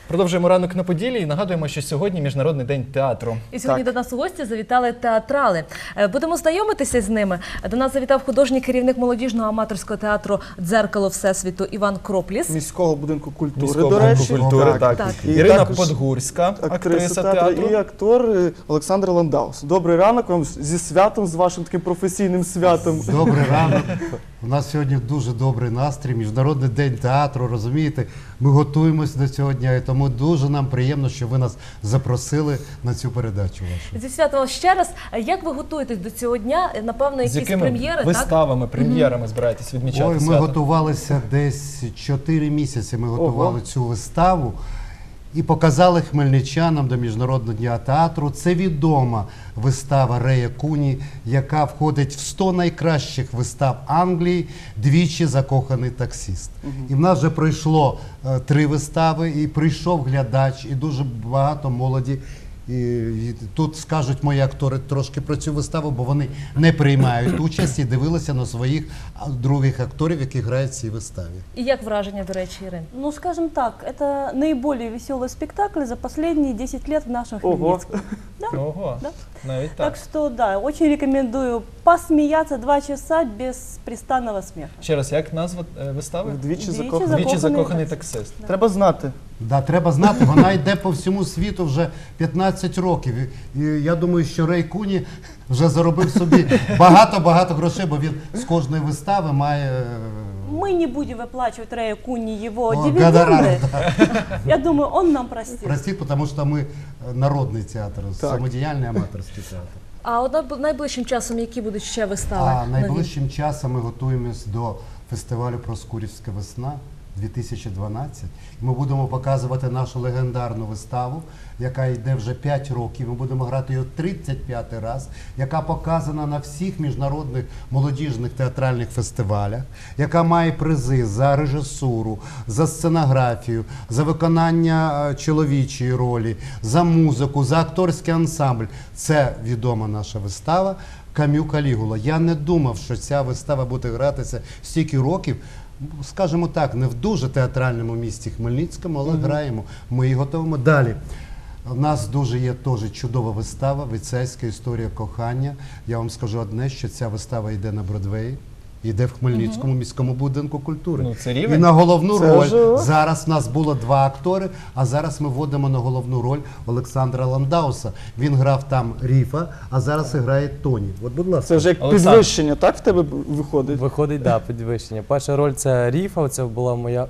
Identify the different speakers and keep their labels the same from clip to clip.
Speaker 1: Продовжуємо ранок на Поділлі і нагадуємо, що сьогодні Міжнародний день театру.
Speaker 2: І сьогодні до нас у гості завітали театрали. Будемо знайомитися з ними. До нас завітав художній керівник молодіжного аматорського театру «Дзеркало Всесвіту» Іван Кропліс.
Speaker 3: Міського будинку культури,
Speaker 1: Міського
Speaker 3: до речі.
Speaker 1: будинку культури, так. Ірина Подгурська, актриса театру.
Speaker 3: І актор Олександр Ландаус. Добрий ранок вам зі святом, з вашим таким професійним святом.
Speaker 4: Добрий ранок. У нас сьогодні дуже добрий настрій, Міжнародний день театру, розумієте? Ми готуємося до цього дня, і тому дуже нам приємно, що ви нас запросили на цю передачу вашу.
Speaker 2: Зі святом ще раз. Як ви готуєтесь до цього дня? Напевно, якісь прем'єри, так?
Speaker 1: Виставами, прем'єрами збираєтесь відмічати
Speaker 4: Ой,
Speaker 1: свято?
Speaker 4: ми готувалися десь 4 місяці, ми готували цю виставу. І показали хмельничанам до Міжнародного дня театру. Це відома вистава Рея Куні, яка входить в 100 найкращих вистав Англії «Двічі закоханий таксист». І в нас вже пройшло 3 вистави, і прийшов глядач, і дуже багато молоді. І тут скажуть мої актори трошки про цю виставу, бо вони не приймають участь і дивилися на своїх других акторів, які грають в цій виставі.
Speaker 2: І як враження, до речі, Ірин?
Speaker 5: Ну, скажем так, это наиболее веселый спектакль за последние 10 лет в нашем Хмельницком.
Speaker 1: Ого,
Speaker 5: Да.
Speaker 1: навіть так.
Speaker 5: Так что, да, очень рекомендую посмеяться 2 часа без пристанного смеха.
Speaker 1: Ще раз, як назва вистави?
Speaker 3: Вдвічі
Speaker 1: «Двічі закоханий таксист».
Speaker 3: Треба знати.
Speaker 4: Да, треба знати, вона йде по всьому світу вже 15 років. І я думаю, що Рей Куні вже заробив собі багато-багато грошей, бо він з кожної вистави має...
Speaker 5: Мы не будем выплачивать Рэю Куни его
Speaker 4: гонорар.
Speaker 5: дивиденды. Я думаю, он нам простит.
Speaker 4: Простіть, тому що ми народний театр, самодіяльний аматорський театр.
Speaker 2: А от найближчим часом які будуть ще вистави?
Speaker 4: А найближчим часом ми готуємось до фестивалю «Проскурівська весна» 2012. Ми будемо показувати нашу легендарну виставу, яка йде вже 5 років. Ми будемо грати її 35-й раз, яка показана на всіх міжнародних молодіжних театральних фестивалях, яка має призи за режисуру, за сценографію, за виконання чоловічої ролі, за музику, за акторський ансамбль. Це відома наша вистава «Кам'ю Калігула». Я не думав, що ця вистава буде гратися стільки років, скажімо так, не в дуже театральному місті Хмельницькому, але граємо. Ми її готуємо далі. У нас дуже є теж чудова вистава «Віцейська історія кохання». Я вам скажу одне, що ця вистава йде на Бродвеї, йде в Хмельницькому міському будинку культури.
Speaker 1: Ну, це рівень.
Speaker 4: І на головну роль, зараз в нас було 2 актори, а зараз ми вводимо на головну роль Олександра Ландауса. Він грав там Ріфа, а зараз грає Тоні. От, будь ласка.
Speaker 3: Це вже як підвищення, так в тебе виходить?
Speaker 6: Виходить, так, підвищення. Перша роль – це Ріфа, це була моя.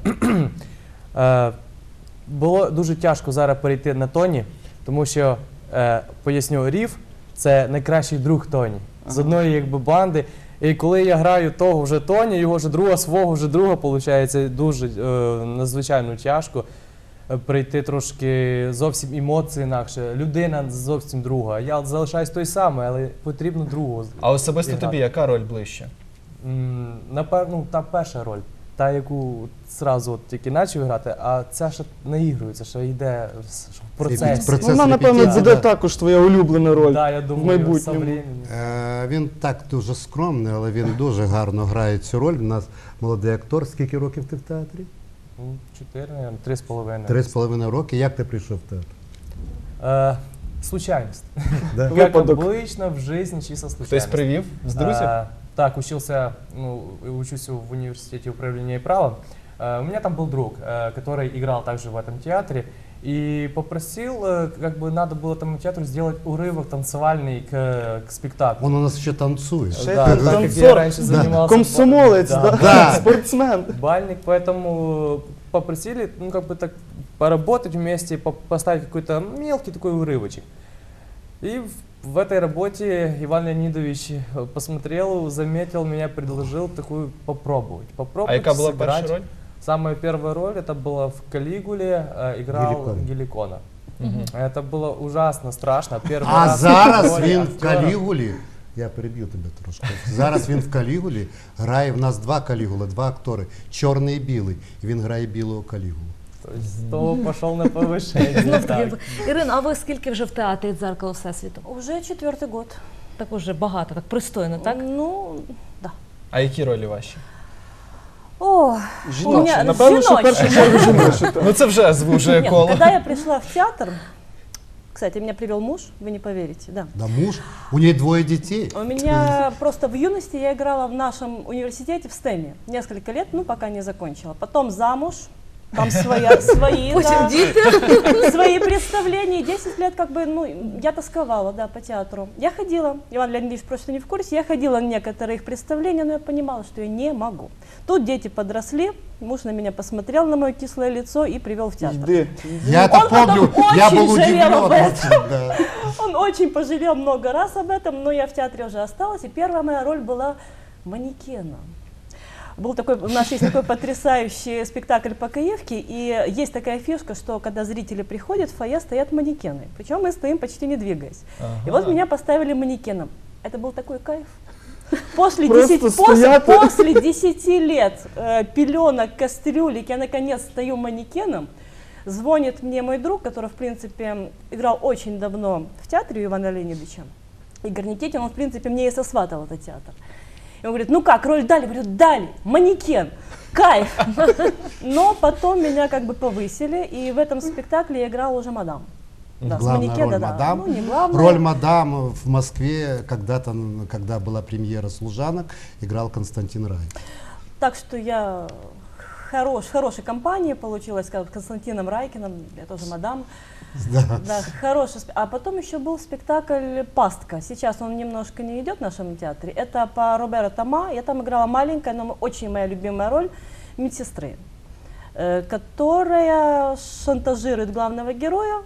Speaker 6: Було дуже тяжко зараз перейти на Тоні, тому що, поясню, Ріф – це найкращий друг Тоні, з одної якби банди. І коли я граю того вже Тоні, його вже друга, свого вже друга, виходить, дуже надзвичайно тяжко прийти трошки зовсім емоції інакше. Людина зовсім друга. Я залишаюсь той самий, але потрібно другого.
Speaker 1: А особисто тобі яка роль ближче?
Speaker 6: Напевно, та перша роль. Та, яку одразу тільки почав грати, а ця ще наігрується, що йде в процесі.
Speaker 3: Вона, напевно, буде також твоя улюблена роль в майбутньому.
Speaker 4: Він так дуже скромний, але він дуже гарно грає цю роль. У нас молодий актор. Скільки років ти в театрі?
Speaker 6: 4, 3,5.
Speaker 4: 3,5 роки. Як ти прийшов в театр?
Speaker 6: Случайность.
Speaker 4: Да?
Speaker 6: Как обычно в жизни, чисто случайность.
Speaker 1: Хтось привів з друзів?
Speaker 6: Так, учусь в университете управления и права. У меня там был друг, который играл также в этом театре. И попросил, как бы надо было этому театру сделать урывок танцевальный к спектаклю.
Speaker 4: Он у нас еще танцует.
Speaker 6: Да, так как я раньше занимался...
Speaker 3: Комсомолец, да, спортсмен.
Speaker 6: Бальник, поэтому попросили, ну, как бы так, поработать вместе, поставить какой-то мелкий такой урывочек. И в этой работе Иван Леонидович посмотрел, заметил меня, предложил такую попробовать.
Speaker 1: А яка була перша роль?
Speaker 6: Самая первая роль, это была в «Калигуле», играл Геликона. Это было ужасно страшно.
Speaker 4: А зараз він в «Калігулі», я переб'ю тебе трошки, зараз він в «Калігулі» грає, в нас 2 Калігули, 2 актори, чорний і білий, і він грає білого Калігулу.
Speaker 6: То пішов на повищення.
Speaker 2: Ірина, а ви скільки вже в театрі «Дзеркало Всесвіту»?
Speaker 5: Уже 4-й год.
Speaker 2: Так уже багато, так пристойно, так?
Speaker 5: Ну, да.
Speaker 1: А які ролі ваші?
Speaker 5: О, у
Speaker 3: Жіночі.
Speaker 5: меня
Speaker 3: Напевно, що в першу чергу жіночі.
Speaker 1: Ну це вже звужує
Speaker 5: Нет,
Speaker 1: коло.
Speaker 5: когда я пришла в театр, кстати, меня привел муж, вы не поверите, да.
Speaker 4: Да муж, у нее 2 детей.
Speaker 5: У меня просто в юности я играла в нашем университете в стеме несколько лет, ну пока не закончила. Потом замуж, там свои,
Speaker 2: Потім
Speaker 5: да,
Speaker 2: діти.
Speaker 5: свои представления. 10 лет как бы, ну, я тосковала, да, по театру. Я ходила, Иван Леонидович просто не в курсе, я ходила на некоторые их представления, но я понимала, что я не могу. Тут дети подросли, муж на меня посмотрел, на мое кислое лицо и привел в театр.
Speaker 3: Йди.
Speaker 4: Я это
Speaker 5: Он потом
Speaker 4: помню, я
Speaker 5: очень
Speaker 4: был
Speaker 5: жалел
Speaker 4: удивлен.
Speaker 5: об этом.
Speaker 4: очень, да.
Speaker 5: Он очень пожалел много раз об этом, но я в театре уже осталась, и первая моя роль была манекеном. Был такой, у нас есть такой потрясающий спектакль по Каевке, и есть такая фишка, что когда зрители приходят, в фойе стоят манекены, причем мы стоим почти не двигаясь. И вот меня поставили манекеном. Это был такой кайф. После
Speaker 3: Просто
Speaker 5: 10,
Speaker 3: стоять.
Speaker 5: после 10 лет пеленок, кастрюлек, я наконец стою манекеном. Звонит мне мой друг, который, в принципе, играл очень давно в театре у Ивана Леонидовича. Игорь Никитин, он, в принципе, мне и сосватал этот театр. И он говорит, ну как, роль дали? Говорю, дали, манекен, кайф. Но потом меня как бы повысили, и в этом спектакле я играла уже мадам. Да, с
Speaker 4: Главная
Speaker 5: манекена,
Speaker 4: роль
Speaker 5: да.
Speaker 4: мадам.
Speaker 5: Ну, не главная.
Speaker 4: Роль мадам в Москве когда-то, когда была премьера «Служанок», играл Константин Рай.
Speaker 5: Так что я в хорошей компании получилась, с Константином Райкиным, я тоже мадам.
Speaker 4: Да.
Speaker 5: Да, хороший. А потом еще был спектакль «Пастка». Сейчас он немножко не идет в нашем театре. Это по Роберу Тома. Я там играла маленькая, но очень моя любимая роль медсестры, которая шантажирует главного героя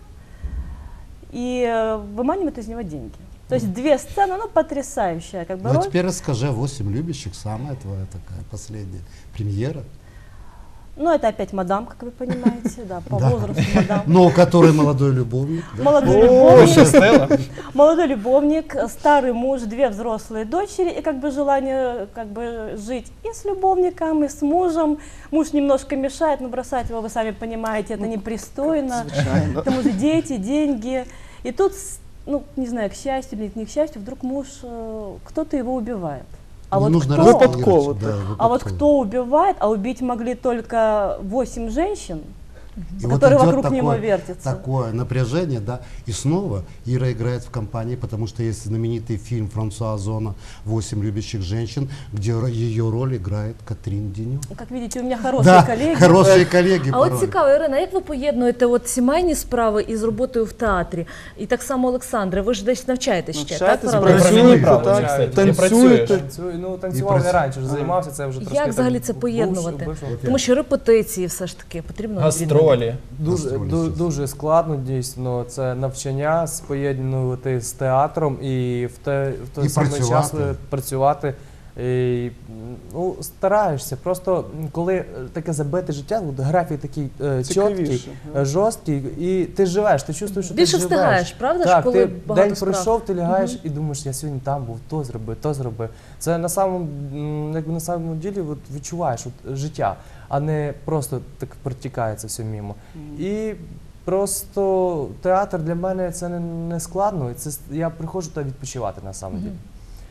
Speaker 5: и выманивает из него деньги. То есть 2 сцены, ну, потрясающая как бы
Speaker 4: Ну а
Speaker 5: роль.
Speaker 4: теперь расскажи о «8 любящих», самая твоя такая последняя премьера.
Speaker 5: Ну, это опять мадам, как вы понимаете, да, по
Speaker 4: Да.
Speaker 5: возрасту мадам.
Speaker 4: Но у которой молодой любовник. Да?
Speaker 5: Молодой любовник.
Speaker 1: Пощастило.
Speaker 5: Молодой любовник, старый муж, 2 взрослые дочери и как бы желание как бы жить и с любовником, и с мужем. Муж немножко мешает, но бросать его, вы сами понимаете, это непристойно. К тому же дети, деньги. И тут, ну, не знаю, к счастью или не к счастью, вдруг муж, кто-то его убивает. А
Speaker 4: Не
Speaker 5: вот
Speaker 4: нужно
Speaker 5: кто?
Speaker 4: распалировать,
Speaker 3: Выпадково,
Speaker 4: да,
Speaker 5: А вот
Speaker 4: выпадково.
Speaker 5: кто убивает, а убить могли только 8 женщин,
Speaker 4: И вот
Speaker 5: которые
Speaker 4: идет
Speaker 5: вокруг него
Speaker 4: такое-
Speaker 5: вертятся.
Speaker 4: Такое напряжение, да. И снова Ира играет в компании, потому что есть знаменитый фильм Франсуа Озона «8 любящих женщин», где ее роль играет Катрин Деню.
Speaker 5: Как видите, у меня хорошие
Speaker 4: Да,
Speaker 5: коллеги.
Speaker 4: хорошие коллеги.
Speaker 2: А
Speaker 4: порой.
Speaker 2: от цікаво, Ірина, як ви поєднуєте от сімейні справи із роботою в театрі? І так само, Олександре, ви ж десь навчаєтесь ще, так?
Speaker 3: Навчаєтесь,
Speaker 2: паралельно?
Speaker 3: працюєте,
Speaker 1: Право,
Speaker 3: так,
Speaker 1: кстати, ти
Speaker 3: танцюєте.
Speaker 1: працюєш.
Speaker 6: Ну, танцював
Speaker 4: І
Speaker 6: не раніше, вже
Speaker 4: Ага.
Speaker 6: займався, це вже трошки.
Speaker 2: Як
Speaker 6: так
Speaker 2: взагалі це
Speaker 6: бувши-
Speaker 2: поєднувати?
Speaker 6: бувши.
Speaker 2: Тому що репетиції все ж таки потрібно
Speaker 1: Гастролі.
Speaker 6: Дуже,
Speaker 4: Гастролі,
Speaker 6: дуже,
Speaker 4: звісно.
Speaker 6: дуже складно, дійсно. Це навчання споєднувати з театром і в той
Speaker 4: І
Speaker 6: самий час
Speaker 4: працювати.
Speaker 6: працювати. І, ну, стараєшся. Просто коли таке забите життя, от графік такий чіткий,
Speaker 3: Цікавіше.
Speaker 6: жорсткий, і ти живеш, ти чувствуєш, що
Speaker 2: Більше
Speaker 6: ти живеш.
Speaker 2: встигаєш, правда ж,
Speaker 6: Так,
Speaker 2: коли
Speaker 6: ти
Speaker 2: багато
Speaker 6: день
Speaker 2: справ?
Speaker 6: пройшов, ти лягаєш і думаєш, я сьогодні там був, то зроби, то зроби. Це на самому, якби на самому ділі от, відчуваєш от, життя, а не просто так протікає це все мимо. І просто театр для мене це не складно, це, я приходжу туди відпочивати на самом деле.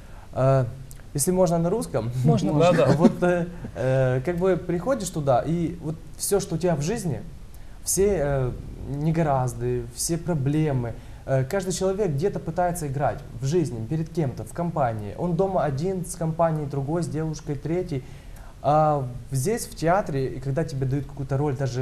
Speaker 6: Если можно на русском,
Speaker 2: Можно.
Speaker 1: Да-да.
Speaker 6: вот как бы приходишь туда, и вот все, что у тебя в жизни, все негоразды, все проблемы, каждый человек где-то пытается играть в жизни, перед кем-то, в компании. Он дома один с компанией, другой с девушкой, третий. А здесь, в театре, и когда тебе дают какую-то роль, даже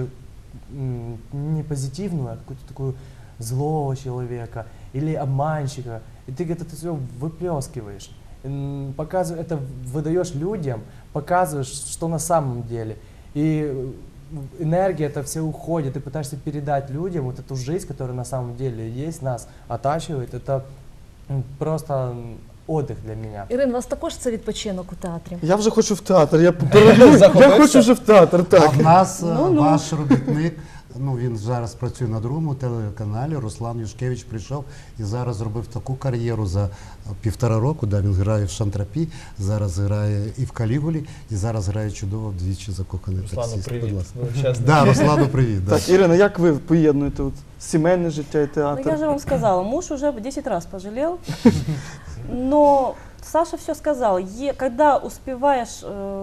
Speaker 6: не позитивную, а какую-то такую злого человека или обманщика, и ты где-то все выплескиваешь. Показываешь, это выдаешь людям, показываешь, что на самом деле. И энергия это все уходит, ты пытаешься передать людям вот эту жизнь, которая на самом деле есть, нас оттачивает. Это просто отдых для меня.
Speaker 2: Ірин, у вас також це відпочинок у театрі?
Speaker 3: Я вже хочу в театр. Я
Speaker 1: Захопився?
Speaker 3: хочу вже в театр,
Speaker 4: А
Speaker 3: так.
Speaker 4: в нас
Speaker 5: Ну-ну.
Speaker 4: ваш робітник, ну він зараз працює на другому телеканалі, Руслан Юшкевич прийшов і зараз зробив таку кар'єру за 1,5 року, да, він грає в Шантрапі, зараз грає і в Калігулі, і зараз грає чудово вдвічі закоханий
Speaker 1: Руслану,
Speaker 4: таксист.
Speaker 1: привіт.
Speaker 4: Будь ласка.
Speaker 1: Величезний.
Speaker 4: Да, Руслану привіт. Да.
Speaker 3: Так, Ірина, як ви поєднуєте от сімейне життя і
Speaker 5: Ну, я
Speaker 3: театр?
Speaker 5: же вам сказала, муж уже 10 раз пожалел, но Саша все сказал. Когда успеваешь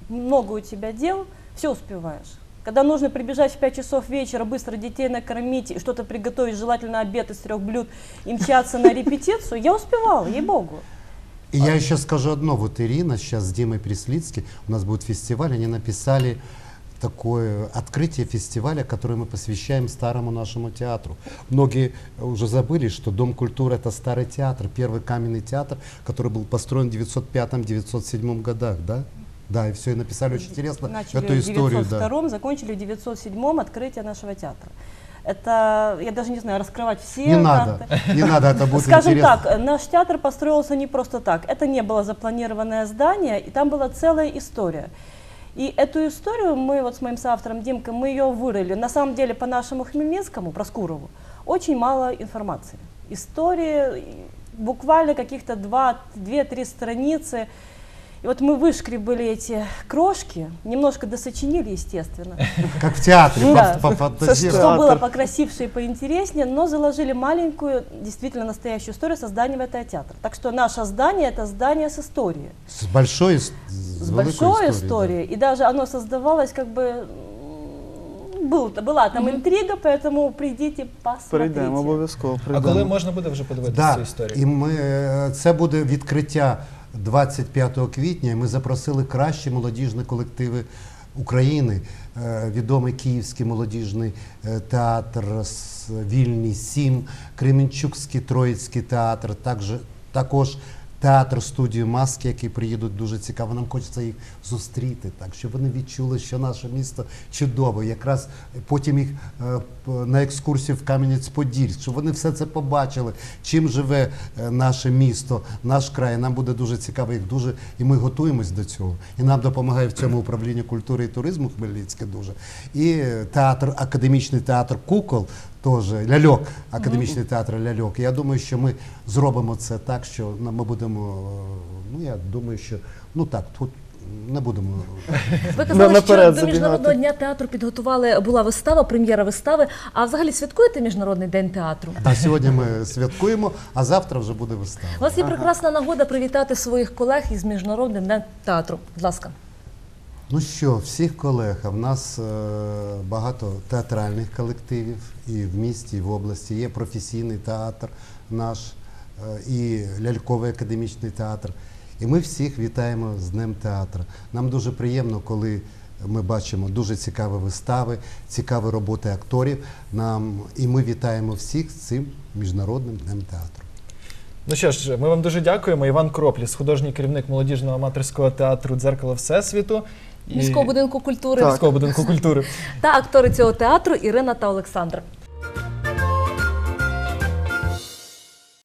Speaker 5: много у тебя дел, все успеваешь. Когда нужно прибежать в 5 часов вечера, быстро детей накормить, и что-то приготовить, желательно обед из 3 блюд, и мчаться на репетицию, я успевала, ей-богу.
Speaker 4: И я еще скажу одно. Вот Ирина сейчас с Димой Преслицким, у нас будет фестиваль, они написали такое открытие фестиваля, которое мы посвящаем старому нашему театру. Многие уже забыли, что Дом культуры — это старый театр, первый каменный театр, который был построен в 905-907 годах, да? Да, и все, и написали очень интересно
Speaker 5: Начали
Speaker 4: эту
Speaker 5: в
Speaker 4: историю.
Speaker 5: 902-м, закончили в 907-м открытие нашего театра. Это, я даже не знаю, раскрывать все
Speaker 4: Не надо,
Speaker 5: карты.
Speaker 4: не надо, это будет
Speaker 5: Скажем
Speaker 4: интересно.
Speaker 5: так, наш театр построился не просто так. Это не было запланированное здание, и там была целая история. И эту историю мы вот с моим соавтором Димкой, мы ее вырыли. На самом деле по нашему Хмельницкому, Проскурову, очень мало информации. Истории буквально каких-то 2-3 страницы. И вот мы вышкребали эти крошки, немножко досочинили, естественно.
Speaker 4: Как в театре,
Speaker 5: Да.
Speaker 4: пофантазировали.
Speaker 5: Что было
Speaker 3: Театр.
Speaker 5: покрасивше и поинтереснее, но заложили маленькую, действительно настоящую историю создания этого театра. Так что наше здание — это здание с историей.
Speaker 4: С большой, с
Speaker 5: С
Speaker 4: великой
Speaker 5: большой
Speaker 4: историей,
Speaker 5: историей. И даже оно создавалось как бы... Была там интрига, поэтому придите, посмотрите.
Speaker 3: Прийдемо, обов'язково
Speaker 1: А
Speaker 3: прийдемо.
Speaker 1: коли можна буде вже подивитися
Speaker 4: Да,
Speaker 1: цю історію?
Speaker 4: і це буде відкриття 25 квітня. І ми запросили кращі молодіжні колективи України. Відомий Київський молодіжний театр, Вільний 7, Кременчуцький Троїцький театр, також театр студію Маски, які приїдуть дуже цікаво. Нам хочеться їх зустріти, так, щоб вони відчули, що наше місто чудове. Якраз потім їх на екскурсію в Кам'янець-Подільськ, щоб вони все це побачили, чим живе наше місто, наш край. Нам буде дуже цікаво їх дуже, і ми готуємось до цього. І нам допомагає в цьому управління культури і туризму Хмельницьке дуже. І театр, академічний театр «Кукол», теж ляльок, академічний театр ляльок. Я думаю, що ми зробимо це так, що ми будемо, ну я думаю, що, ну так, тут не будемо.
Speaker 2: Ви казали,
Speaker 3: наперед
Speaker 2: що до Міжнародного
Speaker 3: забігати.
Speaker 2: дня театру підготували, була вистава, прем'єра вистави. А взагалі святкуєте Міжнародний день театру?
Speaker 4: А сьогодні ми святкуємо, а завтра вже буде вистава.
Speaker 2: У вас є прекрасна нагода привітати своїх колег із Міжнародним днем театру. Будь ласка.
Speaker 4: Ну що, всіх колег, а в нас багато театральних колективів і в місті, і в області. Є професійний театр наш, і ляльковий академічний театр. І ми всіх вітаємо з Днем театру. Нам дуже приємно, коли ми бачимо дуже цікаві вистави, цікаві роботи акторів. І ми вітаємо всіх з цим Міжнародним Днем театру.
Speaker 1: Ну що ж, ми вам дуже дякуємо. Іван Кропліс, художній керівник молодіжного аматорського театру «Дзеркало Всесвіту».
Speaker 2: Міського будинку культури
Speaker 1: Міського будинку культури.
Speaker 2: та актори цього театру Ірина та Олександр.